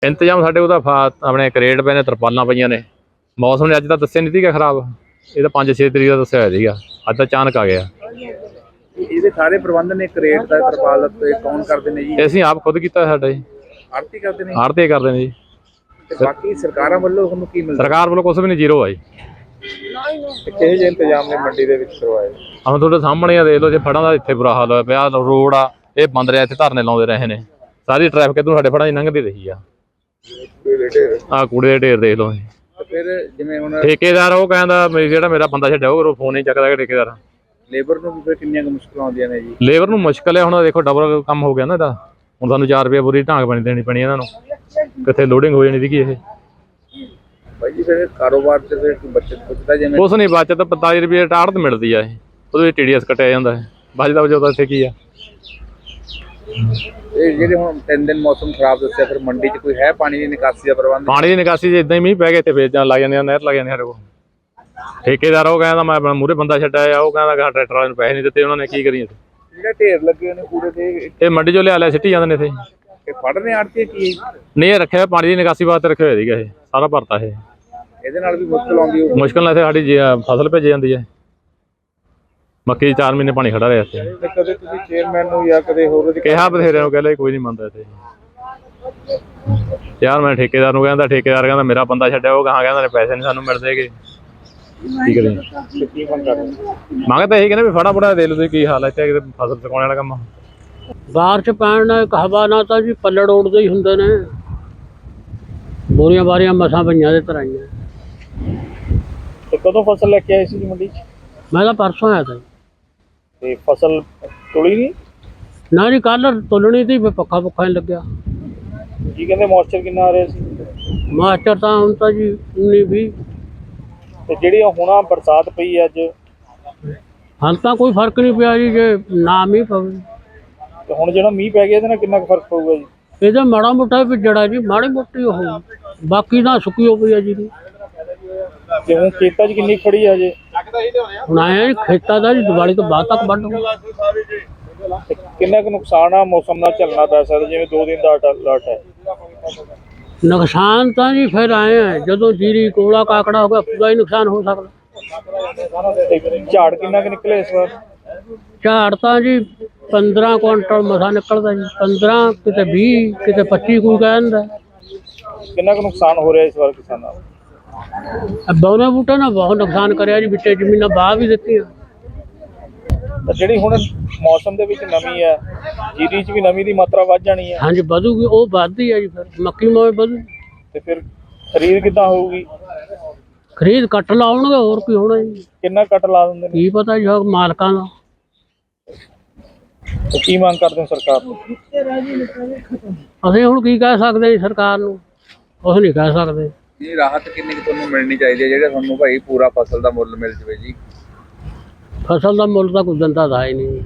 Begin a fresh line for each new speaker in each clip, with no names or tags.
ਇੰਤਜ਼ਾਮ ਸਾਡੇ ਉਹਦਾ ਆਪਣੇ ਕਰੇਟ ਪਏ ਨੇ, ਤਰਪਾਲਾਂ ਪਈਆਂ ਨੇ। ਮੌਸਮ ਨੇ ਅੱਜ ਤਾਂ ਦੱਸਿਆ ਨਹੀਂ ਸੀਗਾ ਖਰਾਬ, ਇਹ ਤਾਂ 5-6 ਤਰੀਕ ਦਾ ਦੱਸਿਆ ਹੋਇਆ ਸੀਗਾ, ਅੱਜ ਤਾਂ ਅਚਾਨਕ ਆ ਗਿਆ।
ਇਹਦੇ ਸਾਰੇ ਪ੍ਰਬੰਧ ਨੇ ਕਰੇਟ ਦਾ, ਤਰਪਾਲ ਦਾ ਕੌਣ ਕਰਦੇ ਨੇ ਜੀ?
ਅਸੀਂ ਆਪ ਖੁਦ ਕੀਤਾ ਸਾਡਾ ਜੀ।
ਆੜਤੀ ਕਰਦੇ ਨੇ?
ਆੜ੍ਹਤੀ ਕਰਦੇ ਨੇ ਜੀ।
ਤੇ ਬਾਕੀ ਸਰਕਾਰਾਂ ਵੱਲੋਂ ਤੁਹਾਨੂੰ ਕੀ ਮਿਲਦਾ?
ਸਰਕਾਰ ਵੱਲੋਂ ਕੁਛ ਵੀ ਨਹੀਂ, ਜ਼ੀਰੋ ਆ ਜੀ।
ਕਿਹੋ ਜਿਹੇ ਇੰਤਜ਼ਾਮ ਨੇ ਮੰਡੀ ਦੇ ਵਿੱਚ ਕਰਵਾਏ?
ਹੁਣ ਤੁਹਾਡੇ ਸਾਹਮਣੇ ਆ, ਦੇਖ ਲਓ ਜੇ ਫੜਾਂ ਦਾ ਇੱਥੇ ਬੁਰਾ ਹਾਲ ਹੋਇਆ ਪਿਆ। ਰੋਡ ਆ ਇਹ ਬੰਦ ਰਿਹਾ, ਇੱਥੇ ਧਰਨੇ ਲਾਉਂਦੇ ਰਹੇ ਨੇ, ਸਾਰੀ ਟ੍ਰੈਫਿਕ ਇੱਧਰੋਂ ਸਾਡੇ ਫੜਾਂ ਦੀ ਲੰਘਦੀ ਰਹੀ ਆ। ਆਹ ਕੂੜੇ ਦੇ ਢੇਰ ਦੇਖ ਲਓ।
ਫਿਰ ਜਿਵੇਂ ਹੁਣ
ਠੇਕੇਦਾਰ ਉਹ ਕਹਿੰਦਾ ਜਿਹੜਾ ਮੇਰਾ ਬੰਦਾ ਛੱਡਿਆ ਉਹ ਫੋਨ ਨਹੀਂ ਚੱਕਦਾ ਠੇਕੇਦਾਰ।
ਲੇਬਰ ਨੂੰ ਵੀ ਫਿਰ ਕਿੰਨੀਆਂ ਕੁ ਮੁਸ਼ਕਲਾਂ ਆਉਂਦੀਆਂ ਨੇ ਜੀ?
ਲੇਬਰ ਨੂੰ ਮੁਸ਼ਕਲ ਹੈ, ਹੁਣ ਦੇਖੋ ਡਬਲ ਕੰਮ ਹੋ ਗਿਆ ਨਾ ਇਹਦਾ। ਹੁਣ ਸਾਨੂੰ 4 ਰੁਪਏ ਪੂਰੀ ਢਾਂਗ ਪਾਣੀ ਦੇਣੀ ਪੈਣੀ ਇਹਨਾਂ ਨੂੰ, ਕਿੱਥੇ ਲੋਡਿੰਗ ਹੋ ਜਾਣੀ ਸੀਗੀ ਇਹ।
ਬਾਈ ਜੀ ਫਿਰ ਕਾਰੋਬਾਰ ਤੇ ਫਿਰ ਬੱਚਤ ਪੁੱਛਦਾ ਜਿਵੇਂ
ਕੁਛ ਨਹੀਂ ਬਚਤ, 45 ਰੁਪਏ ਆੜ੍ਹਤ ਮਿਲਦੀ ਆ ਇਹ, ਉਹਦੇ ਵਿੱਚ TDS ਕੱਟਿਆ ਜਾਂਦਾ ਹੈ, ਬਚਦਾ ਵਜੋਂ ਇੱਥੇ ਕੀ ਆ।
ਇਹ ਜਿਹੜੇ ਹੁਣ 3 ਦਿਨ ਮੌਸਮ ਖਰਾਬ ਦੱਸਿਆ, ਫਿਰ ਮੰਡੀ 'ਚ ਕੋਈ ਹੈ ਪਾਣੀ ਦੀ ਨਿਕਾਸੀ ਦਾ ਪ੍ਰਬੰਧ?
ਪਾਣੀ ਦੀ ਨਿਕਾਸੀ ਜੇ ਇਦਾਂ ਹੀ ਮੀਂਹ ਪੈ ਗਿਆ ਇੱਥੇ ਵੇਚਣ ਲੱਗ ਜਾਂਦੇ ਆ, ਨਹਿਰ ਲੱਗ ਜਾਂਦੇ ਸਾਡੇ ਕੋਲ। ਠੇਕੇਦਾਰ ਉਹ ਕਹਿੰਦਾ ਮੈਂ ਆਪਣਾ ਮੂਹਰੇ ਬੰਦਾ ਛੱਡਿਆ, ਉਹ ਕਹਿੰਦਾ ਟਰੈਕਟਰ ਵਾਲੇ ਨੂੰ ਪੈਸੇ ਨਹੀਂ ਦਿੱਤੇ, ਉਹਨਾਂ ਨੇ ਕੀ ਕਰੀਏ।
ਜਿਹੜੇ ਢੇਰ ਲੱਗੇ ਨੇ ਕੂੜੇ ਦੇ,
ਇਹ ਮੰਡੀ ਚੋਂ ਲਿਆ ਸਿੱਟੀ ਜਾਂਦੇ ਨੇ ਇੱਥੇ।
ਇਹ ਫੜਨੇ ਆੜਤੀ ਕੀ?
ਨਹੀਂ, ਇਹ ਰੱਖਿਆ ਪਾਣੀ ਦੀ ਨਿਕਾਸੀ ਵਾਸਤੇ ਰੱਖਿਆ ਹੋਇਆ ਸੀਗਾ, ਇਹ ਸਾਰਾ ਭਰਤਾ ਇਹ।
ਇਹਦੇ ਨਾਲ ਵੀ ਮੁਸ਼ਕਲ ਆਉਂਦੀ ਹੋਊ?
ਮੁਸ਼ਕਲ ਨਾਲ ਇੱਥੇ ਸਾਡੀ ਫਸਲ ਭੇਜੀ ਜਾਂਦੀ ਹੈ, ਮੱਕੀ 4 ਮਹੀਨੇ ਪਾਣੀ ਖੜਾ ਰਿਹਾ ਇੱਥੇ।
ਤੇ ਕਦੇ ਤੁਸੀਂ ਚੇਅਰਮੈਨ ਨੂੰ ਜਾਂ ਕਦੇ ਹੋਰ
ਕਿਹਾ ਬਥੇਰਿਆਂ ਨੂੰ, ਕਹਿੰਦਾ ਕੋਈ ਨਹੀਂ ਮੰਨਦਾ ਇੱਥੇ। ਯਾਰ ਮੈਂ ਠੇਕੇਦਾਰ ਨੂੰ ਕਹਿੰਦਾ, ਠੇਕੇਦਾਰ ਕਹਿੰਦਾ ਮੇਰਾ ਬੰਦਾ ਛੱਡਿਆ, ਉਹ ਕਹਾਂ ਕਹਿੰਦਾ ਪੈਸੇ ਨਹੀਂ ਸਾਨੂੰ ਮਿਲਦੇਗੇ, ਕੀ ਕਰੀਏ। ਮੰਗ ਤਾਂ ਇਹੀ ਕਹਿੰਦੇ ਵੀ ਫੜਾ ਫੜਾ ਦੇ ਲਓ ਤੁਸੀਂ, ਕੀ ਹਾਲ ਹੈ ਇੱਥੇ, ਕਿਤੇ ਫਸਲ ਚੁਕਾਉਣ ਵਾਲਾ ਕੰਮ।
ਬਾਰਿਸ਼ ਪੈਣ ਨਾਲ ਇੱਕ ਹਵਾ ਨਾਲ ਤਾਂ ਜੀ ਪੱਲੜ ਉੱਡਦੇ ਹੀ ਹੁੰਦੇ ਨੇ। ਬੋਰੀਆਂ ਬਾਰੀਆਂ ਮਸਾਂ ਪਈਆਂ ਦੇ ਤਰਾਈਆਂ।
ਤੇ ਕਦੋਂ ਫਸਲ ਲੈ ਕੇ ਆਏ ਸੀ ਜੀ ਮੰਡੀ 'ਚ?
ਮੈਂ ਤਾਂ ਪਰਸੋਂ ਆਇਆ ਤਾ ਜੀ।
ਤੇ ਫਸਲ ਤੁਲੀ ਨਹੀਂ?
ਨਾ ਜੀ ਕੱਲ੍ਹ ਤੁਲਣੀ ਤੀ, ਪੱਖਾ ਪੁੱਖਾ ਨਹੀਂ ਲੱਗਿਆ।
ਕੀ ਕਹਿੰਦੇ ਮੌਇਸਚਰ ਕਿੰਨਾ ਆ ਰਿਹਾ ਸੀ?
ਮਾਸਟਰ ਤਾਂ ਹੁਣ ਤਾਂ ਜੀ 19-20।
ਤੇ ਜਿਹੜੀ ਹੁਣ ਬਰਸਾਤ ਪਈ ਅੱਜ,
ਹਾਲ ਤਾਂ ਕੋਈ ਫਰਕ ਨਹੀਂ ਪਿਆ ਜੀ, ਜੇ ਨਾ ਮੀਂਹ ਪਵੇ।
ਤੇ ਹੁਣ ਜਿਹੜਾ ਮੀਂਹ ਪੈ ਗਿਆ ਇਹਦੇ ਨਾਲ ਕਿੰਨਾ ਕੁ ਫਰਕ ਪਊਗਾ ਜੀ?
ਇਹਦਾ ਮਾੜਾ ਮੋਟਾ ਵੀ ਜੜਾ ਜੀ, ਮਾੜੀ ਮੋਟੀ ਉਹ, ਬਾਕੀ ਤਾਂ ਸੁੱਕੀ ਹੋ ਪਈ ਆ ਜੀ।
ਤੇ ਹੁਣ ਖੇਤਾਂ 'ਚ ਕਿੰਨੀ ਖੜੀ ਆ ਜੇ?
ਹੁਣ ਆਇਆ ਜੀ ਖੇਤਾਂ ਦਾ ਜੀ, ਦੀਵਾਲੀ ਤੋਂ ਬਾਅਦ ਤੱਕ ਵੱਢ ਹੋਊ।
ਕਿੰਨਾ ਕੁ ਨੁਕਸਾਨ ਆ ਮੌਸਮ ਨਾਲ ਝੱਲਣਾ ਪੈ ਸਕਦਾ, ਜਿਵੇਂ 2 ਦਿਨ ਦਾ ਅਲਰਟ ਹੈ?
ਨੁਕਸਾਨ ਤਾਂ ਜੀ ਫਿਰ ਆਏ ਆ, ਜਦੋਂ ਜੀਰੀ ਕੋਲਾ ਕਾਕੜਾ ਹੋ ਗਿਆ ਪੂਰਾ ਹੀ ਨੁਕਸਾਨ ਹੋ ਸਕਦਾ।
ਤੇ ਝਾੜ ਕਿੰਨਾ ਕੁ ਨਿਕਲੇ ਇਸ ਵਾਰ?
ਝਾੜ ਤਾਂ ਜੀ 15 ਕੁਇੰਟਲ ਮਸਾ ਨਿਕਲਦਾ ਜੀ, 15 ਕਿਤੇ 20 ਕਿਤੇ 25 ਕੋਈ ਕਹਿੰਦਾ।
ਕਿੰਨਾ ਕੁ ਨੁਕਸਾਨ ਹੋ ਰਿਹਾ ਇਸ ਵਾਰ ਕਿਸਾਨਾਂ ਦਾ?
ਬੌਨੇ ਬੂਟੇ ਨਾਲ ਬਹੁਤ ਨੁਕਸਾਨ ਕਰਿਆ ਜੀ, ਵਿੱਚੇ ਜ਼ਮੀਨਾਂ ਬਾਹ ਵੀ ਦਿੱਤੀਆਂ।
ਤਾਂ ਜਿਹੜੀ ਹੁਣ ਮੌਸਮ ਦੇ ਵਿੱਚ ਨਮੀ ਹੈ, ਜੀਰੀ 'ਚ ਵੀ ਨਮੀ ਦੀ ਮਾਤਰਾ ਵੱਧ ਜਾਣੀ ਹੈ?
ਹਾਂਜੀ ਵਧੂਗੀ, ਉਹ ਵੱਧਦੀ ਹੈ ਜੀ, ਫਿਰ ਮੱਕੀ ਮੋਏ ਵਧੂ।
ਤੇ ਫਿਰ ਖਰੀਦ ਕਿੱਦਾਂ ਹੋਊਗੀ?
ਖਰੀਦ ਕੱਟ ਲਾਉਣਗੇ, ਹੋਰ ਕੀ ਹੋਣਾ ਜੀ।
ਕਿੰਨਾ ਕੱਟ ਲਾ ਦਿੰਦੇ ਨੇ?
ਕੀ ਪਤਾ ਜੀ ਮਾਲਕਾਂ ਦਾ।
ਤੇ ਕੀ ਮੰਗ ਕਰਦੇ ਹੋ ਸਰਕਾਰ ਤੋਂ?
ਅਸੀਂ ਹੁਣ ਕੀ ਕਹਿ ਸਕਦੇ ਜੀ ਸਰਕਾਰ ਨੂੰ, ਕੁਛ ਨਹੀਂ ਕਹਿ ਸਕਦੇ।
ਜੀ ਰਾਹਤ ਕਿੰਨੀ ਕੁ ਤੁਹਾਨੂੰ ਮਿਲਣੀ ਚਾਹੀਦੀ ਹੈ, ਜਿਹੜੇ ਤੁਹਾਨੂੰ ਭਾਈ ਪੂਰਾ ਫਸਲ ਦਾ ਮੁੱਲ ਮਿਲ ਜਵੇ ਜੀ?
ਫਸਲ ਦਾ ਮੁੱਲ ਤਾਂ ਕੋਈ ਦਿੰਦਾ ਤਾਂ ਹੀ ਨਹੀਂ।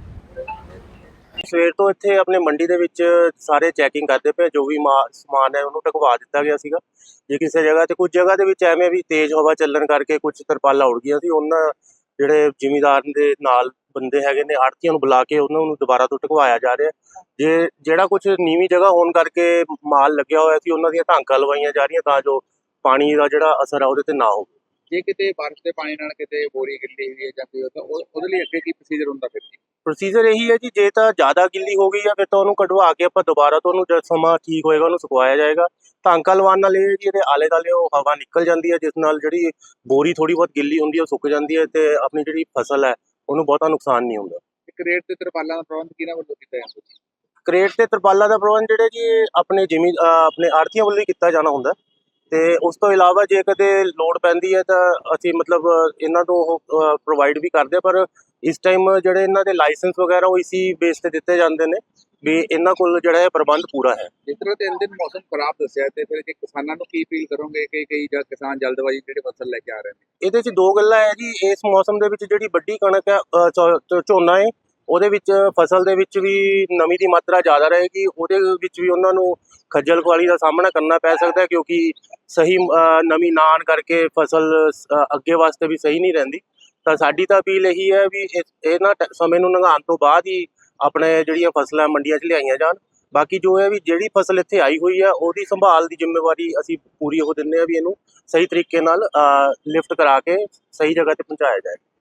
ਸਵੇਰ ਤੋਂ ਇੱਥੇ ਆਪਣੇ ਮੰਡੀ ਦੇ ਵਿੱਚ ਸਾਰੇ ਚੈਕਿੰਗ ਕਰਦੇ ਪਏ, ਜੋ ਵੀ ਸਮਾਨ ਹੈ ਉਹਨੂੰ ਢਕਵਾ ਦਿੱਤਾ ਗਿਆ ਸੀਗਾ। ਜੇ ਕਿਸੇ ਜਗ੍ਹਾ ਤੇ, ਕੁਝ ਜਗ੍ਹਾ ਦੇ ਵਿੱਚ ਐਵੇਂ ਵੀ ਤੇਜ਼ ਹਵਾ ਚੱਲਣ ਕਰਕੇ ਕੁਝ ਤਰਪਾਲਾਂ ਉੜ ਗਈਆਂ ਸੀ, ਉਹਨਾਂ ਜਿਹੜੇ ਜ਼ਿਮੀਂਦਾਰ ਦੇ ਨਾਲ ਬੰਦੇ ਹੈਗੇ ਨੇ, ਆੜ੍ਹਤੀਆਂ ਨੂੰ ਬੁਲਾ ਕੇ ਉਹਨਾਂ ਨੂੰ ਦੁਬਾਰਾ ਤੋਂ ਢਕਵਾਇਆ ਜਾ ਰਿਹਾ। ਜਿਹੜਾ ਕੁਝ ਨੀਵੀਂ ਜਗ੍ਹਾ ਹੋਣ ਕਰਕੇ ਮਾਲ ਲੱਗਿਆ ਹੋਇਆ ਸੀ, ਉਹਨਾਂ ਦੀਆਂ ਢਾਂਕਾਂ ਲਵਾਈਆਂ ਜਾ ਰਹੀਆਂ ਤਾਂ ਜੋ ਪਾਣੀ ਦਾ ਜਿਹੜਾ ਅਸਰ ਹੈ ਉਹਦੇ ਤੇ ਨਾ ਹੋਵੇ।
ਜੇ ਕਿਤੇ ਬਾਰਿਸ਼ ਦੇ ਪਾਣੀ ਨਾਲ ਕਿਤੇ ਬੋਰੀ ਗਿੱਲੀ ਹੋਈ ਹੈ ਜਾਂ ਕੋਈ, ਤਾਂ ਉਹਦੇ ਲਈ ਅੱਗੇ ਕੀ ਪ੍ਰੋਸੀਜਰ ਹੁੰਦਾ? ਫਿਰ
ਪ੍ਰੋਸੀਜਰ ਇਹੀ ਹੈ ਜੀ, ਜੇ ਤਾਂ ਜ਼ਿਆਦਾ ਗਿੱਲੀ ਹੋ ਗਈ ਆ ਫਿਰ ਤਾਂ ਉਹਨੂੰ ਕਢਵਾ ਕੇ ਆਪਾਂ ਦੁਬਾਰਾ ਤੋਂ ਉਹਨੂੰ ਜਦ ਸਮਾਂ ਠੀਕ ਹੋਏਗਾ ਉਹਨੂੰ ਸੁਕਵਾਇਆ ਜਾਏਗਾ। ਢਾਂਕਾਂ ਲਵਾਉਣ ਨਾਲ ਇਹ ਜੀ ਇਹਦੇ ਆਲੇ ਦੁਆਲੇ ਉਹ ਹਵਾ ਨਿਕਲ ਜਾਂਦੀ ਹੈ, ਜਿਸ ਨਾਲ ਜਿਹੜੀ ਬੋਰੀ ਥੋੜੀ ਬਹੁਤ ਗਿੱਲੀ ਹੁੰਦੀ ਹੈ ਉਹ ਸੁੱਕ ਜਾਂਦੀ ਹੈ ਤੇ ਆਪਣੀ ਜਿਹੜੀ ਫਸਲ ਹੈ ਉਹਨੂੰ ਬਹੁਤਾ ਨੁਕਸਾਨ ਨਹੀਂ ਹੁੰਦਾ।
ਕਰੇਟ ਤੇ ਤਰਪਾਲਾਂ ਦਾ ਪ੍ਰਬੰਧ ਕਿਹਨਾਂ ਵੱਲੋਂ ਕੀਤਾ ਜਾਂਦਾ?
ਕਰੇਟ ਤੇ ਤਰਪਾਲਾਂ ਦਾ ਪ੍ਰਬੰਧ ਜਿਹੜੇ ਜੀ ਆਪਣੇ ਆੜ੍ਹਤੀਆਂ ਵੱਲੋਂ ਹੀ ਕੀਤਾ ਜਾਣਾ ਹੁੰਦਾ। ਤੇ ਉਸ ਤੋਂ ਇਲਾਵਾ ਜੇ ਕਦੇ ਲੋੜ ਪੈਂਦੀ ਹੈ ਤਾਂ ਅਸੀਂ ਮਤਲਬ ਇਹਨਾਂ ਤੋਂ ਉਹ ਪ੍ਰੋਵਾਈਡ ਵੀ ਕਰਦੇ, ਪਰ ਇਸ ਟਾਈਮ ਜਿਹੜੇ ਇਹਨਾਂ ਦੇ ਲਾਇਸੈਂਸ ਵਗੈਰਾ ਉਹ ਇਸੀ ਬੇਸ ਤੇ ਦਿੱਤੇ ਜਾਂਦੇ ਨੇ ਵੀ ਇਹਨਾਂ ਕੋਲ ਜਿਹੜਾ ਹੈ ਪ੍ਰਬੰਧ ਪੂਰਾ ਹੈ।
ਜਿਸ ਤਰ੍ਹਾਂ 3 ਦਿਨ ਮੌਸਮ ਖਰਾਬ ਦੱਸਿਆ, ਤੇ ਫਿਰ ਜੇ ਕਿਸਾਨਾਂ ਨੂੰ ਕੀ ਅਪੀਲ ਕਰੋਗੇ ਕਿ ਕਈ ਜਾਂ ਕਿਸਾਨ ਜਲਦਬਾਜ਼ੀ ਜਿਹੜੇ ਫਸਲ ਲੈ ਕੇ ਆ ਰਹੇ ਨੇ?
ਇਹਦੇ 'ਚ 2 ਗੱਲਾਂ ਹੈ ਜੀ। ਇਸ ਮੌਸਮ ਦੇ ਵਿੱਚ ਜਿਹੜੀ ਵੱਡੀ ਕਣਕ ਹੈ, ਝੋਨਾ ਹੈ, ਉਹਦੇ ਵਿੱਚ ਫਸਲ ਦੇ ਵਿੱਚ ਵੀ ਨਮੀ ਦੀ ਮਾਤਰਾ ਜ਼ਿਆਦਾ ਰਹੇਗੀ, ਉਹਦੇ ਵਿੱਚ ਵੀ ਉਹਨਾਂ ਨੂੰ ਖੱਜਲ ਖੁਆਰੀ ਦਾ ਸਾਹਮਣਾ ਕਰਨਾ ਪੈ ਸਕਦਾ, ਕਿਉਂਕਿ ਸਹੀ ਨਮੀ ਨਾ ਆਉਣ ਕਰਕੇ ਫਸਲ ਅੱਗੇ ਵਾਸਤੇ ਵੀ ਸਹੀ ਨਹੀਂ ਰਹਿੰਦੀ। ਤਾਂ ਸਾਡੀ ਤਾਂ ਅਪੀਲ ਇਹੀ ਹੈ ਵੀ ਇਹਨਾਂ ਸਮੇਂ ਨੂੰ ਲੰਘਾਉਣ ਤੋਂ ਬਾਅਦ ਹੀ ਆਪਣੇ ਜਿਹੜੀਆਂ ਫਸਲਾਂ ਮੰਡੀਆਂ 'ਚ ਲਿਆਈਆਂ ਜਾਣ, ਬਾਕੀ ਜੋ ਹੈ ਵੀ ਜਿਹੜੀ ਫਸਲ ਇੱਥੇ ਆਈ ਹੋਈ ਹੈ ਉਹਦੀ ਸੰਭਾਲ ਦੀ ਜ਼ਿੰਮੇਵਾਰੀ ਅਸੀਂ ਪੂਰੀ ਉਹ ਦਿੰਦੇ ਹਾਂ ਵੀ ਇਹਨੂੰ ਸਹੀ ਤਰੀਕੇ ਨਾਲ ਲਿਫਟ ਕਰਾ ਕੇ ਸਹੀ ਜਗ੍ਹਾ ਤੇ ਪਹੁੰਚਾਇਆ ਜਾਏ।